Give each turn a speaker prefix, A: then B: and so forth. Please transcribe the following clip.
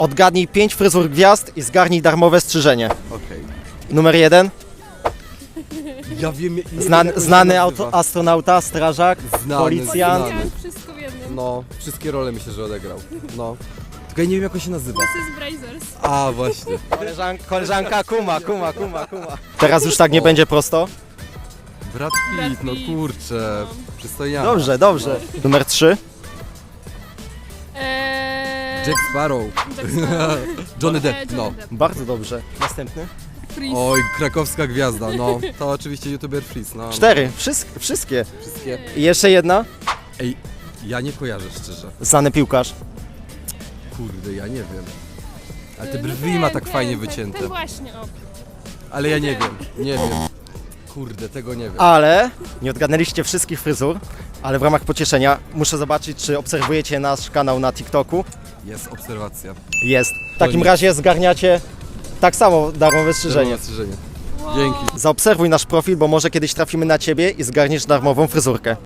A: Odgadnij 5 fryzur gwiazd i zgarnij darmowe strzyżenie.
B: Okej.
A: Numer 1.
B: Ja wiem,
A: Znany astronauta, strażak,
B: Znany,
A: policjant.
B: znany.
C: Wszystko w jednym.
B: No, wszystkie role myślę, że odegrał. No. Tylko ja nie wiem, jak on się nazywa.
C: Mrs. Brazers.
B: A, właśnie.
A: Koleżanka kuma. Teraz już tak nie będzie prosto.
B: Brad
C: Brad
B: Pitt, no
C: Pitt.
B: kurczę. Przystojniak.
A: Dobrze. Numer 3.
B: Jack Sparrow.
C: Jack Sparrow.
B: Johnny Depp, no.
A: Bardzo dobrze. Następny.
C: Freeze.
B: Oj, krakowska gwiazda, no. To oczywiście youtuber Freeze, no.
A: 4. Wszystkie.
B: Wszystkie.
A: I jeszcze jedna.
B: Ej, ja nie kojarzę szczerze.
A: Znany piłkarz.
B: Kurde, ja nie wiem. Ale te brwi ma tak fajnie wycięte.
C: Ten właśnie, o.
B: Ale ja nie wiem. Kurde, tego nie wiem.
A: Ale nie odgadnęliście wszystkich fryzur, ale w ramach pocieszenia muszę zobaczyć, czy obserwujecie nasz kanał na TikToku.
B: Jest obserwacja.
A: Jest. W takim razie zgarniacie tak samo darmowe strzyżenie.
B: Strzyżenie.
C: Wow.
B: Dzięki.
A: Zaobserwuj nasz profil, bo może kiedyś trafimy na ciebie i zgarniesz darmową fryzurkę.